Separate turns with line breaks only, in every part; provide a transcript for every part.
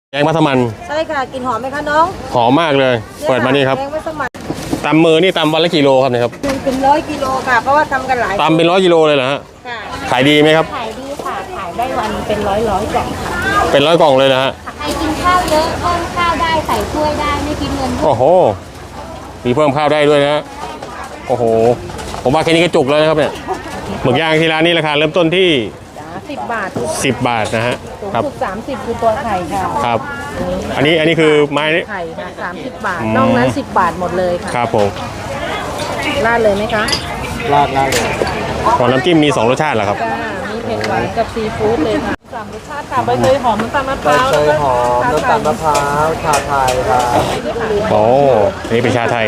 แกงมัสมั่น
ใช่ค่ะกลิ่นหอมไหมคะน้อง
หอมมากเลยเปิดมานี่ครับ
แกงมัสมั่น
ตำมือนี่ตำวันละกิโลครับเนี่ยครับ
เป็น100 กิโลค่ะเพราะว่าทำกันหลาย
ตำเป็น100 กิโลเลยเหรอฮะ
ค่ะ
ขายดีไหมครับ
ขายดีค่ะขายได้วันเป็นร้อยกล่องค่ะ
เป็น100 กล่องเลยนะฮะ
ใครกินข้าวเยอะเพิ่มข้าวได้ใส่ถ้วยได้ไม่กินเงิน
โอ้โหมีเพิ่มข้าวได้ด้วยนะโอ้โหผมว่าแค่นี้ก็จุกแล้วนะครับเนี่ยหมึกย่างที่ร้านนี้ราคาเริ่มต้นที่
10 บาท
10 บาทนะฮะ
ครับ30คือตัวไข่ค่ะ
ครับอันนี้คือไม้
ไข่ค่ะ30 บาทนอกนั้น10 บาทหมดเลยค่ะ
ครับผม
ราดเลยไหมคะ
ราดเลยของน้ำจิ้มมี2 รสชาติเหรอครับ
มีเผ็ดหวานกับซีฟู้ดเลยค่ะ3 รสชาติค่ะใบเตยหอมน้ำตาลมะพร้าว
ใบเตยหอมน้ำตาลมะพร้าวชาไทยครับ
โอ้นี่เป็นชาไทย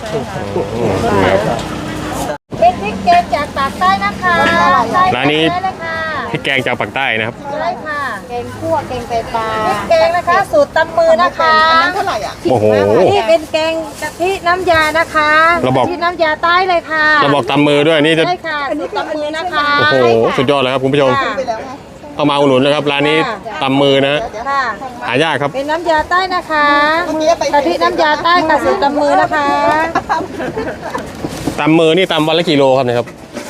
เป็นพริกแกงจากปากใต้นะคะ
ร้านนี้พริกแกงจากปากใต้นะครับ
ใช่ค่ะแกงคั่วแกงไตปลาพริกแกงนะคะสูตรตำมือนะคะเท่าไหร่อ่ะ
โอ้โห
นี่เป็นแกงกะทิน้ำยานะคะ
เราบอก
ที่น้ำยาใต้เลยค่ะ
เราบอกตำมือด้วยนี่จะ
ใช่ค่ะสูตรตำมือนะคะ
โอ้โหสุดยอดเลยครับคุณผู้ชมเอามาอุดหนุนนะครับร้านนี้ตำมือนะหายากครับ
เป็นน้ำยาใต้นะคะกะทิน้ำยาใต้กับสูตรตำมือนะคะ
ตำมือนี่ตำวันละกิโลครับเนี่ยครับ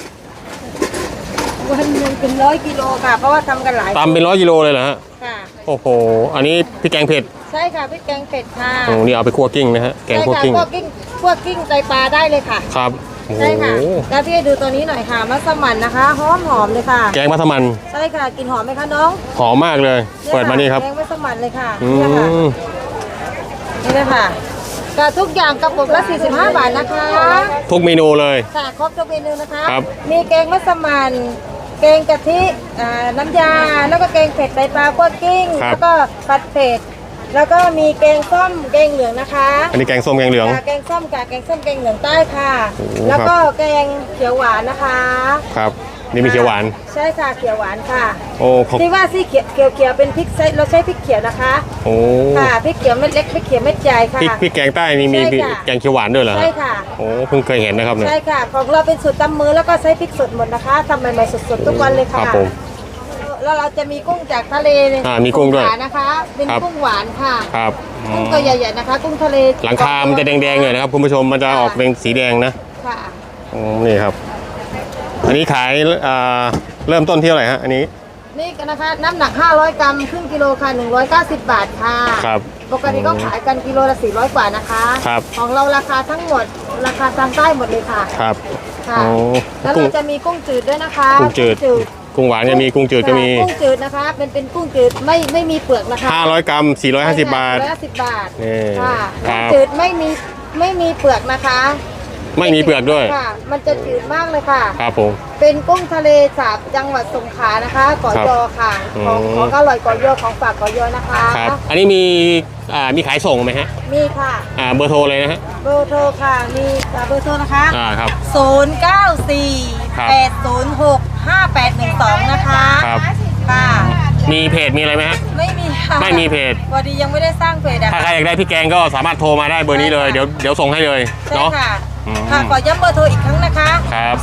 วันหนึ่งเป็น100 กิโลค่ะเพราะว่าทำกันหลาย
ตำเป็น100 กิโลเลยเหรอฮะ
ค่ะ
โอ้โหอันนี้พริกแกงเผ็ด
ใช่ค่ะพริกแกงเผ็ดค่ะ
โอ้นี่เอาไปคั่วกิ้งนะฮะแกงคั่วกิ้ง
คั่วกิ้งไตปลาได้เลยค่ะ
ครับ
ใช่ค่ะแล้วพี่ดูตัวนี้หน่อยค่ะมัสมั่นนะคะหอมเลยค่ะ
แกงมัสมั่น
ใช่ค่ะกลิ่นหอมไหมคะน้อง
หอมมากเลยเปิดมานี่ครับ
แกงมัสมั่นเลยค่ะนี่เลยค่ะกับทุกอย่างกระปุกละ45 บาทนะคะ
ทุกเมนูเลย
ค่ะครบทุกเมนูนะคะ
ครับ
มีแกงมัสมั่นแกงกะทิน้ำยาแล้วก็แกงเผ็ดไตปลาคั่วกิ้งแล้วก็ผัดเผ็ดแล้วก็มีแกงส้มแกงเหลืองนะคะ
อันนี้แกงส้มแกงเหลือง
แกงส้มกับแกงส้มแกงเหลืองใต้ค่ะแล้วก็แกงเขียวหวานนะคะ
ครับนี่มีเขียวหวาน
ใช่ค่ะเขียวหวานค่ะ
โอ้
ที่ว่าที่เขียวเป็นพริกเราใช้พริกเขียวนะคะ
โอ้
ค่ะพริกเขียวเม็ดเล็กพริกเขียวเม็ดใหญ่ค่ะ
พริกแกงใต้นี่มีแกงเขียวหวานด้วยเหรอ
ใช่ค่ะ
โอ้เพิ่งเคยเห็นนะครับเนี่ย
ใช่ค่ะของเราเป็นสูตรตำมือแล้วก็ใช้พริกสดหมดนะคะทำใหม่ๆสดๆทุกวันเลยค่ะ
ครับผม
แล้วเราจะมีกุ้งจากทะเล
มีกุ้งด้วย
นะคะเป็นกุ้งหวานค่ะ
ครับ
กุ้งตัวใหญ่ๆนะคะกุ้งทะเล
หลังคามันจะแดงๆหน่อยนะครับคุณผู้ชมมันจะออกเป็นสีแดงนะ
ค่ะ
นี่ครับอันนี้ขายเริ่มต้นที่เท่าไหร่ฮะอันนี้
นี่นะคะน้ำหนัก500 กรัมครึ่งกิโลค่ะ190 บาทค่ะ
ครับ
ปกติก็ขายกันกิโลละ400 กว่านะคะ
ครับ
ของเราราคาทั้งหมดราคาทางใต้หมดเลยค่ะ
ครับ
ค่ะแล้วเราจะมีกุ้งจืดด้วยนะคะ
กุ้งจืดกุ้งหวานจะมีกุ้งจืดก็มี
กุ้งจืดนะคะเป็นกุ้งจืดไม่มีเปลือกนะคะ
500 กรัม450 บาท
450 บาท
นี่
ค่ะกุ้งจืดไม่มีเปลือกนะคะ
ไม่มีเปลือกด้วย
ค่ะมันจะจืดมากเลยค่ะ
ครับผม
เป็นกุ้งทะเลสาบจังหวัดสงขลานะคะเกาะยอค่ะของอร่อยเกาะยอของฝากเกาะยอนะคะ
ครับอันนี้มีขายส่งไหมฮะ
มีค่ะ
เบอร์โทรเลยนะฮะ
เบอร์โทรค่ะมีเบอร์โทรนะคะ
ครับ
0948065812นะคะ
ครับ
ค่ะ
มีเพจมีอะไรไหมฮะ
ไม่มีค่ะ
ไม่มีเพจ
พอดียังไม่ได้สร้างเพจ
ถ้าใครอยากได้พี่แกงก็สามารถโทรมาได้เบอร์นี้เลยเดี๋ยวส่งให้เลยเนาะ
ค่ะขอย้ำเบอร์โทรอีกครั้งนะคะ
ครับ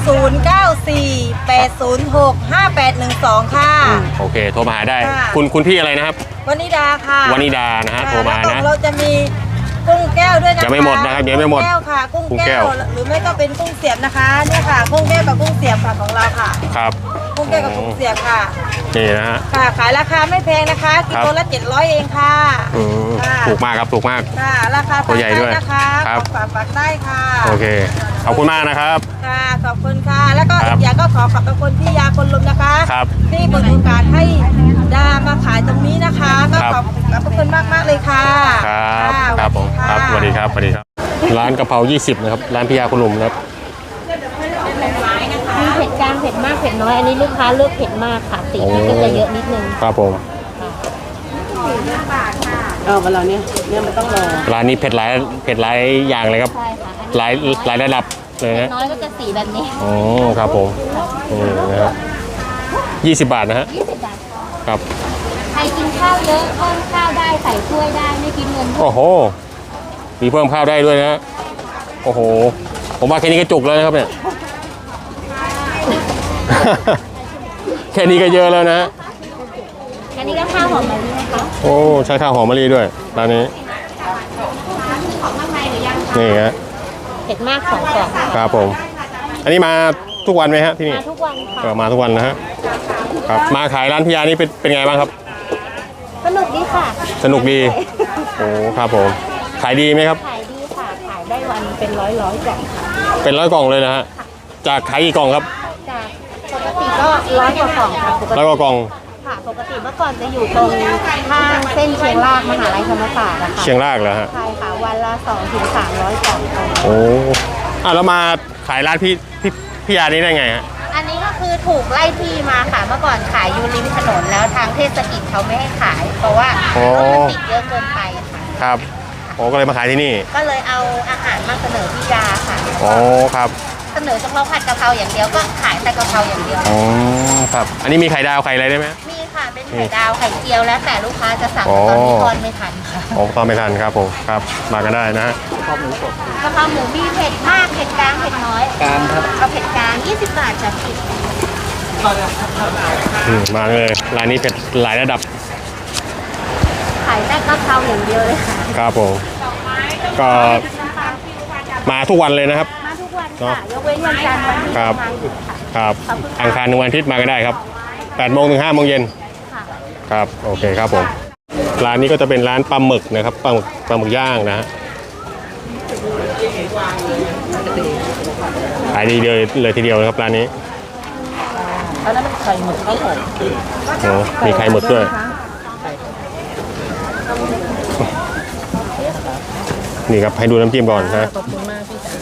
0948065812ค่ะ
โอเคโทรมาหาได้คุณพี่อะไรนะครับ
วนิดาค่ะ
วนิดานะฮะโทรมานะ
เราจะมีกุ้งแก้วด้วยนะคะ
ยังไม่หมดนะครับยังไม่หมด
กุ้งแก้วค่ะกุ้งแก้วหรือไม่ก็เป็นกุ้งเสียบนะคะเนี่ยค่ะกุ้งแก้วกับกุ้งเสียบค่ะของเราค่ะ
ครับ
กุ้งแก้วกับกุ้งเสียบค่ะ
นี่นะฮะ
ค่ะขายราคาไม่แพงนะคะกิโลละ700เองค่ะ
ถูกมากครับถูกมาก
ค่ะราคา
ตัวใหญ่ด้วย
นะคะฝากได้ค่ะ
โอเคขอบคุณมากนะครับ
ค่ะขอบคุณค่ะแล้วก็อีกอย่างก็ขอบคุณพี่ยาคนลุมนะคะที่เปิดโอกาสให้ดามาขายตรงนี้นะคะก็ขอบคุณมากเลยค่ะ
ครับผมครับสวัสดีครับสวัสดีครับร้านกะเพรา20นะครับร้านพี่ยาคนลุมนะครับ
มีเผ็ดกลางเผ็ดมากเผ็ดน้อยอันนี้ลูกค้าเลือกเผ็ดมากค่ะสีมันก็จะเยอะนิดนึง
ครับผม
เวลาเนี้ยมันต้องรอ
ร้านนี้เผ็ดหลายอย่างเลยครับหลายระดับเลยนะ
น้อยก็จะสีแบบนี้
อ๋อครับผมนะฮะ20 บาทนะฮะ
20 บาท
ครับ
ใครกินข้าวเยอะเพิ่มข้าวได้ใส่ถ้วยได้ไม่กินเงิน
โอ้โหมีเพิ่มข้าวได้ด้วยนะโอ้โหผมว่าแค่นี้ก็จุกแล้วนะครับเนี่ยแค่นี้ก็เยอะแล้วนะ
แกอันนี้ก็ข้าวหอมมะลินะคะ
โอ้ใช้ข้าวหอมมะลิด้วยร้านนี้
ของข้างในหรือยัง
นี่ฮะ
เผ็ดมาก2 กล่อง
ครับผม อันนี้มาทุกวันไหมฮะที่นี่
มาทุกวันค่ะ
มาทุกวันนะฮะครับมาขายร้านพี่ยานี่เป็นไงบ้างครับ
สนุกดีค่ะ
สนุกดีโอ้ครับผมขายดีไหมครับ
ขายดีค่ะ ขายได้วันเป็นร้อยกล่องค่ะ
เป็น100 กล่องเลยนะฮะจากขายกี่กล่องครับ
จากปกติก็100 กว่ากล่องค่ะปกติ
100 กว่ากล่อง
ค่ะปกติเมื่อก่อนจะอยู่ตรงข้างเส้นเชียงรากมหาลัยธรรมศาสตร์นะคะ
เชียงรากเหรอฮะ
ใช่ค่ะวันละ2 ถึง 300 กล่องค่ะ
โอ้แล้วมาขายร้านพี่ยานี่ได้ไงฮะ
อันนี้ก็คือถูกไล่ที่มาค่ะ เมื่อก่อนขายอยู่ริมถนนแล้วทางเทศกิจเขาไม่ให้ขาย เพราะว่ารถมันติดเยอะเกินไปค่ะ
ครับโอ้ก็เลยมาขายที่นี่
ก็เลยเอาอาหารมาเสนอพี่ยาค่ะ
โอ้ครับ
เสนอเฉพาะผัดกะเพราอย่างเดียวก็ขายแต่กะเพราอย่างเดียว
อ๋อครับ อันนี้มีไข่ดาวไข่อะไรได้ไหม
มีค่ะเป็นไข่ดาวไข่เจียวแล้วแต่ลูกค้าจะสั่ง
อ๋อ
ตอนนี้ทอนไม่ทันค่ะ
โอ้ตอนไม่ทันครับผมครับมากันได้นะฮะ
ข้าวหมูสด
กะเพราหมูมีเผ็ดมากเผ็ดกลางเผ็ดน้อย
การครับ
เอาเผ็ดกลาง20 บาทจ้ะพี่
มาเลยร้านนี้เผ็ดหลายระดับ
ขายแต่กะเพราอย่างเดียวเลยค่ะ
ครับผมก็มาทุกวันเลยนะครับ
มาทุกวัน
เนอะ
ค่ะยกเว้นวันจันทร์วันที่
ครับ
ทำงานหยุดค่ะ
ครับอังคารถึงวันอาทิตย์มาก็ได้ครับ8 โมงถึง 5 โมงเย็น
ค่ะ
ครับโอเคครับผมร้านนี้ก็จะเป็นร้านปลาหมึกนะครับปลาหมึกย่างนะฮะขายดีเลยทีเดียวนะครับร้านนี้
อันนั้นมันไข่หมึกข้าวหอม
โอ้มีไข่หมึกด้วยนี่ครับให้ดูน้ำจิ้มก่อนนะ
ขอบคุณมากพี่จ๋า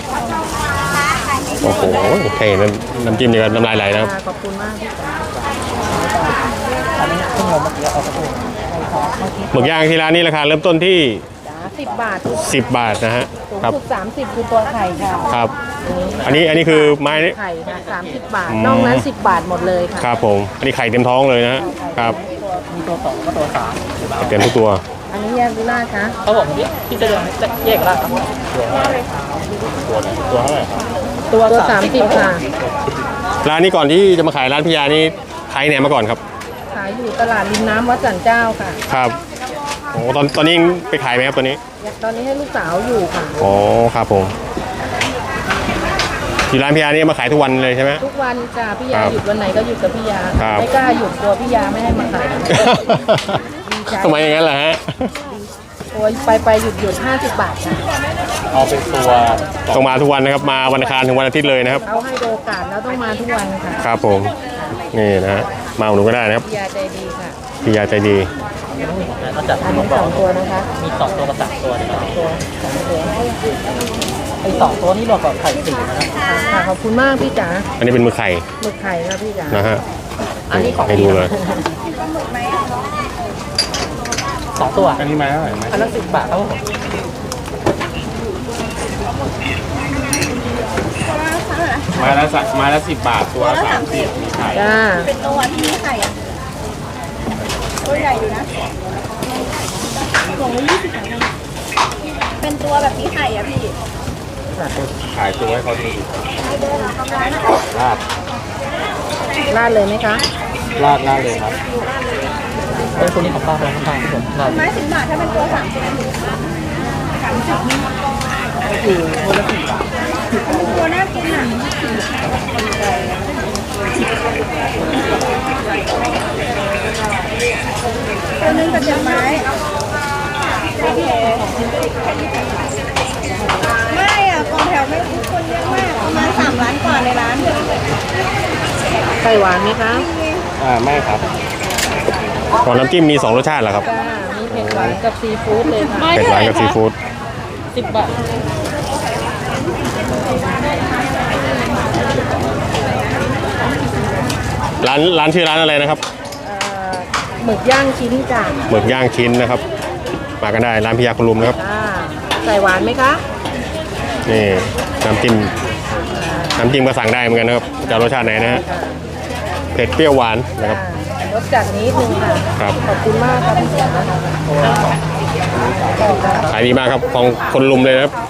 โอ้โหแค่เห็นน้ำจิ้มนี่ก็น้ำลายไหลนะครับ
ขอบคุณมากพี่จ๋า
อันนี้เพิ่งลงเมื่อกี้เอากระปุก
หมึกย่างที่ร้านนี้ราคาเริ่มต้นที่
10 บาท
10 บาทนะฮะ
สูง
ครับ
สุด30คือตัวไข่ค่ะ
ครับ อันนี้คือไม้
ไข่ค่ะ30 บาท
อืม
นอกนั้น10 บาทหมดเลยค่ะ
ครับผมอันนี้ไข่เต็มท้องเลยนะฮะครับ
มีตัว2ก็ตัว3
เต็มทุกตัว
อันนี้แยกดูราดคะ
เขาบอกพี่จะแยกได้ครับ
ตัวเท่าไหร่ครับ
ตัว30ค่ะ
ร้านนี้ก่อนที่จะมาขายร้านพิยานี่ขายไหนมาก่อนครับ
ขายอยู่ตลาดริมน้ำวัดสันเจ้าค่ะ
ครับโอ้ตอนนี้ไปขายไหมครับตอนนี้
ตอนนี้ให้ลูกสาวอยู่ค่ะ
อ๋อครับผมที่ร้านพิยานี่มาขายทุกวันเลยใช่ไหม
ทุกวันจ้ะพี่ยา
ครับ
หยุดวันไหนก็หยุดกับพี่ยา
ครับ
ไม่กล้าหยุดกลัวพี่ยาไม่ให้มาขาย ใจ
ทำไมอย่างนั้นล่ะฮะ
โอ้ยไปหยุด50 บาทค่ะ
เอาเป็นตัว
ต้องมาทุกวันนะครับมาวันอังคารถึงวันอาทิตย์เลยนะครับ
เขาให้โอกาสแล้วต้องมาทุกวันค่ะ
ครับผมนี่นะฮะมาอุดหนุนก็ได้นะครับ
พี่ยาใจดีค่ะ
พิยาใจดี
เขาจัด
อัน
ผ
นี้
มบอก
2 ตัวนะคะ
มี2ตัวกับ3ตัวนะครับ
ตัว2 ตัว
ไอ้2ตัวนี้รวมกับไข่4นะครับ
ค่ะขอบคุณมากพี่จ๋า
อันนี้เป็นมือไข่
หมึกไข่ครับพี่จ๋า
นะฮะ
อันนี้ของ
ให้ดูเลย
2ตัวอันนี้ไม้เท่าไหร่อันละ10 บาทครับผม
ไม้ละ10 บาทตัวละ30มีไข่
จ้า
เป็นตัวที่มีไข่อะตัวใหญ่อยู่นะกล่องละ20 บาทเป็นตัวแบบมีไข่อะพี่
ขายตัวให้เขาดูลาด
ราดเลยไหมคะ
ลาดเลยครับ
เป็นตัวนี้ของป้าครับป้าครับผมเรา
ไม้10 บาทถ้าเป็นตัว30
คือตัวละ4 บาท
ตัวน่ากินอะตัวนึงกับ7 ไม้โอเคไม่อะกองแถวไม่คนเยอะมากประมาณ3 ล้านกว่าในร้าน
ไข่หวานไหมคะ
ไม่ครับก่อนน้ำจิ้มมี2รสชาติเหรอครับ
จ้ามีเผ็ดหวานกับซีฟู้ดเลยค่ะ
เผ็ดหวานกับซีฟู้ด
10 บาท
ร้านชื่อร้านอะไรนะครับ
หมึกย่างชิ้นจ้า
หมึกย่างชิ้นนะครับ มากันได้ร้านพิยาคุณลุมนะครับ
จ้าใส่หวานไหมคะ
นี่น้ำจิ้มก็สั่งได้เหมือนกันนะครับจะรสชาติไหนนะฮะเผ็ดเปรี้ยวหวานนะครับ
รสจัดนิดนึงค่ะ
ครับ
ขอบคุณมากค่ะพี่จ๋า
ขายดีมากครับของคนลุมเลยนะครับ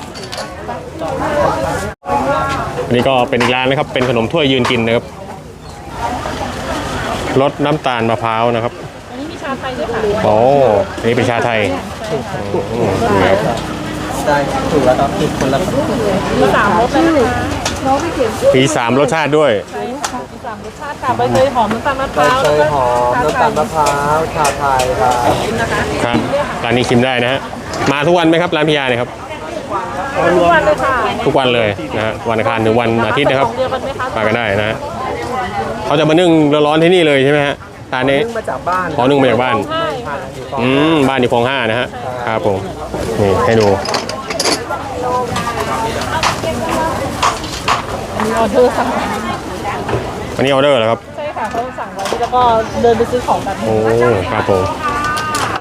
อันนี้ก็เป็นอีกร้านนะครับเป็นขนมถ้วยยืนกินนะครับรสน้ำตาลมะพร้าวนะครับ
อันนี้
าไทยด้วยค่ะ
โอ้อันนี้เป็นชาไทยนี่ครับ
ได้ถูกแล้วครับผิดคนละครับ
มี3รสเลยนะคะ
มี3รสชาติด้วย
ใช่ค่ะมี3รสชาติค่ะใบเตยหอมน้ำตาลมะพ
ใบ
ร้าว
เต
แล้ว
ย
ก็
หอมน้ำตาลมะพร้าวชาไทยครับ
นะคะ
ครับร้านนี้ชิมได้นะฮะมาทุกวันไหมครับร้านพิยาเนี่ยครับ
ทุกวันเลยค่ะ
ทุกวันเลยนะฮะวันอังคารถึงวันอาทิตย์นะครับ
ของเดียวกันไหมคะ
มากันได้นะฮะเขาจะมานึ่งร้อนๆที่นี่เลยใช่ไหมฮะร้านนี้
นึ่งมาจากบ้าน
ขอนึ่งมาจากบ้าน
ใช่ค่ะ
บ้านอยู่คลอง5นะฮะครับผมนี่ให้ดู
มีออเดอร์สั่ง
อันนี้ออเดอร์เหรอครับ
ใช่ค่ะเขาสั่งไว้แล้วก็เดินไปซื้อของกัน
โอ้ครับผม
ใ